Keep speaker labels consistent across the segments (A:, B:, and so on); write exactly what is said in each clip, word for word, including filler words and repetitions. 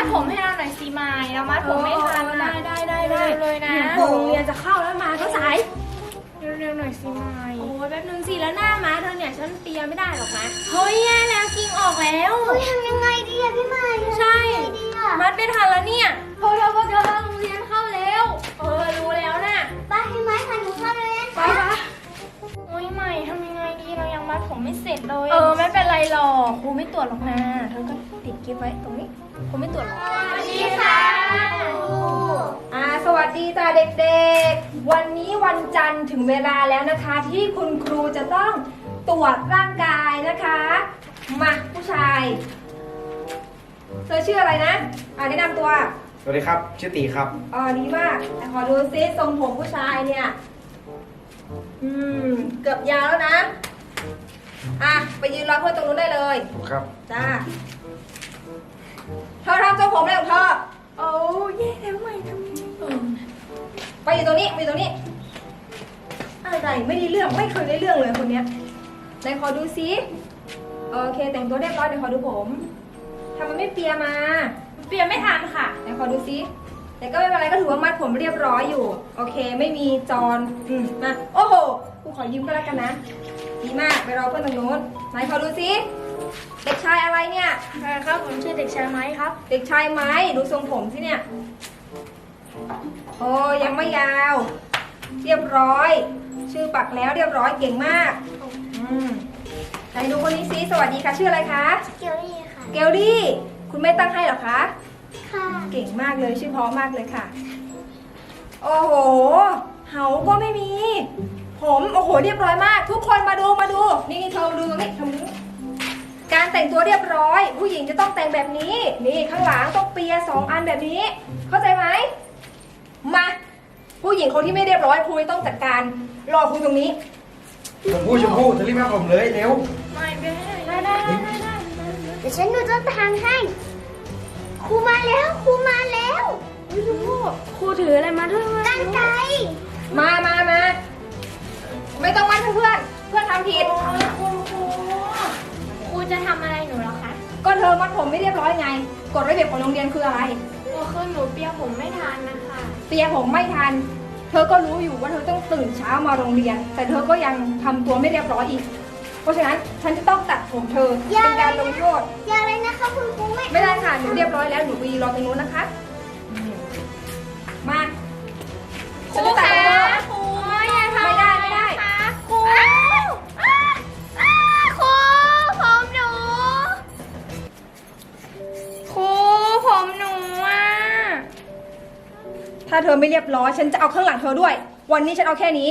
A: ดผมให้เราหน่อยสิไม้เรามัดผมไม่ทันนะ
B: ได้ได้ได้
A: เลยนะ
B: โรงเรียนจะเข้าแล้วมาก็สาย
A: เร็วๆหน่อยสิไม้
B: โอ้ยแป๊บนึงสิแล้วหน้าม้าเธอเนี่ยฉันเปียไม่ได้หรอกนะ
A: เฮ้ยแย่แล้วกิ่งออกแล้ว
C: เฮ้ยทำยังไงดีอะพี่ใหม่
B: ใช่
C: ทำยังไงดีอะ
B: มัดไม่ทันแล้วเนี่ย
A: พวกเราพวกเธอโรงเรียนเข้าแล้ว
B: เออรู้แล้วน่ะ
C: ไปให้ไม้พันหนูเข้าเลย
B: ไปปะ
A: โอ้ยใหม่ทำยังไงดีเรายังมัดผมไม่เสร็จเลย
B: เออไม่เป็นไรหรอกครูไม่ตรวจหรอกนะเธอก็ติดกิ๊บไว้ตรงนี้ครูไม่ตรวจหรอก
C: สวัสดีค่ะ
B: อ่าสวัสดีจ้าเด็กๆ วันนี้วันจันทร์ถึงเวลาแล้วนะคะ ที่คุณครูจะต้องตรวจร่างกายนะคะ มาผู้ชายเธอชื่ออะไรนะอ่าแนะนำตัว
D: สวัสดีครับ ชื่อตีครับ
B: อ๋อดีมากแต่ขอดูซิทรงผมผู้ชายเนี่ยอืมเกือบยาวแล้วนะอ่ะไปยืนรอเพื่อนตรงนู้นได้เลย
D: ครับ
B: จ้าเธอทำทรงผมอะไรของเธอ
A: โอ้แย่แล้วใหม่ทำยังไง
B: ไปอยู่ตรงนี้ไปอยู่ตรงนี้อะไรไม่ได้เรื่องไม่เคยได้เรื่องเลยคนเนี้ยไหนขอดูซิโอเคแต่งตัวเรียบร้อยเดี๋ยวขอดูผมทำไมไม่เปียมา
A: เปลี่ยนไม่ทันค่ะ
B: ไหนขอดูซิแต่ก็ไม่เป็นไรก็ถือว่ามัดผมเรียบร้อยอยู่โอเคไม่มีจอนอืมมาโอ้โหกูขอยืมก็แล้วกันนะดีมากไปรอเพื่อนตรงนู้นไหนขอดูซิเด็กชายอะไรเนี่ย
A: ครับผมชื่อเด็กชายไม้ครับ
B: เด็กชายไม้ดูทรงผมสิเนี่ยโอ้ยังไม่ยาว เรียบร้อย ชื่อปักแล้วเรียบร้อยเก่งมากอืมไหนดูคนนี้ซิสวัสดีค่ะชื่ออะไรคะ
C: เกียวนี่ค่ะ
B: เกลลี่คุณแม่ตั้งให้เหรอคะ
C: ค่ะ
B: เก่งมากเลยชื่อเพราะมากเลยค่ะ โอ้โหเหาก็ไม่มี ผมโอ้โหเรียบร้อยมาก ทุกคนมาดูมาดูนี่เธอมาดูตรงนี้ทำนี้การแต่งตัวเรียบร้อย ผู้หญิงจะต้องแต่งแบบนี้ นี่ข้างหลังต้องเปียสองอันแบบนี้ เข้าใจไหมมาผู้หญิงคนที่ไม่เรียบร้อยครูต้องจัดการรอครูตรงนี้
D: ชมพู่ชมพู่จะรีบมาผมเลยเร็ว
A: ไม่ไปให้
B: ได้ได้ได้ได้ได้
C: เดี๋ยวฉันดูต้นทางให้ครูมาแล้วครูมาแล้ว
A: ครูถืออะไรมาด้วยวะ
C: กันไกร
B: มามามาไม่ต้องมัดเพื่อนเพื่อนทำผิด
A: ครูครูครูจะทำอะไรหนูเหรอคะ
B: ก็เธอมัดผมไม่เรียบร้อยไงกฎระเบียบของโรงเรียนคืออะไร
A: ครูคือหนูเปียผมไม่ทันนะคะ
B: เปียผมไม่ทัน เธอก็รู้อยู่ว่าเธอต้องตื่นเช้ามาโรงเรียน แต่เธอก็ยังทำตัวไม่เรียบร้อยอีก เพราะฉะนั้นฉันจะต้องตัดผมเธอเป็นการลงโทษ
C: อย่าเลยนะคะคุณครูไม่
B: ไม่ได้ค่ะหนูเรียบร้อยแล้วหนูไปรอตรงนู้นนะคะ มา
A: ค
B: ฉัน
A: รู
B: จะตัด
A: คะ
B: ผมเธอ
A: ครูอย่าทำ
B: ไม่ได้ไม่ได้
A: ครูอ้าวอ้าวอ้าวครูผมหนูครูผมหนูอ่ะ
B: ถ้าเธอไม่เรียบร้อย ฉันจะเอาข้างหลังเธอด้วย วันนี้ฉันเอาแค่นี้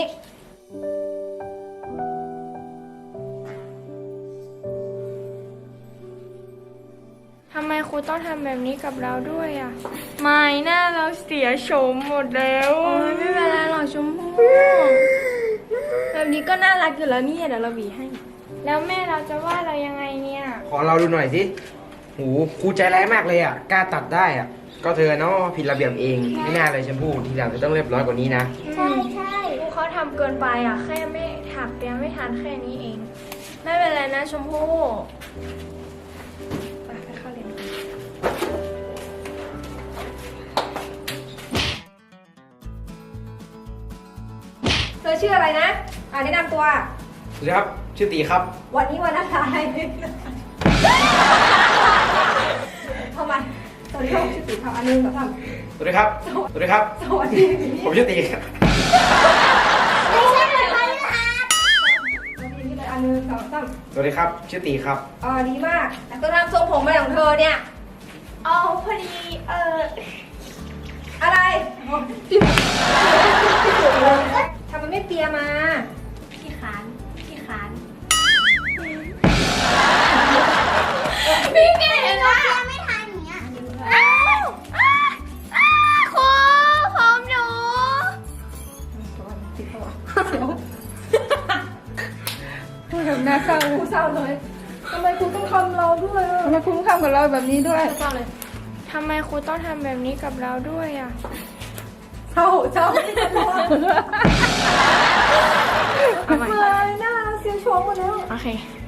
A: ทำไมครูต้องทำแบบนี้กับเราด้วยอ่ะ ไม่หน้าเราเสียโฉมหมดแล้ว
B: โอ้ยไม่เป็นไรหรอกชมพู่แบบนี้ก็น่ารักอยู่แล้วนี่เดี๋ยวเราหวีให้
A: แล้วแม่เราจะว่าเรายังไงเนี่ย
D: ขอเราดูหน่อยสิหูครูใจร้ายมากเลยอ่ะ กล้าตัดได้อ่ะ ก็เธอเนาะผิดระเบียบเอง ไม่น่าเลยชมพู่ทีหลังเธอต้องเรียบร้อยกว่านี้นะ
C: ใช่ใช่
A: ครูเขาทำเกินไปอ่ะ แค่ไม่ถักเปียไม่ทันแค่นี้เอง ไม่เป็นไรนะชมพู่ไปไปเข้าเรียน
B: เธอชื่ออะไรนะ อ่าแนะนำตัว
D: สวัสดีครับ ชื่อตีครับ
B: วันนี้วันอะไรทำไมสวัสดีครับชื่อตีครับอันหนึงสองสาม
D: สวัสดีครับ สวัสดีครับ
B: สวัสดี
D: ผมชื่อตีครับ
C: ไม่ใช่แบบพฤหัส
B: สวัสดีที่เลยอันหนึงสองสาม
D: สวัสดีครับ ชื่อตีครับ
B: อ๋อดีมากแต่ตัวทำทรงผมอะไรของเธอเนี่ย
A: เอาพอดี เออ
B: อะไรอ๋อที่ทำไมไม่เปียมา
A: พี่ขานพี่ขาน
C: พี่เก่งอะยังไม่ทันอย่างเงี้ย
A: อ้าวอ้าวอ้าวครูผมหนู
B: ทำหน้าเศร้าครูเศร้าเลยทำไมครูต้องทำเราด้วยทำไมครูต้องทำกับเราแบบนี้ด้วยเศร้าเลย
A: ทำไมครูต้องทำแบบนี้กับเราด้วยอ่ะ
B: เศร้าเศร้าทำไมหน้าเสียโฉมหมดแล้ว
A: โอเค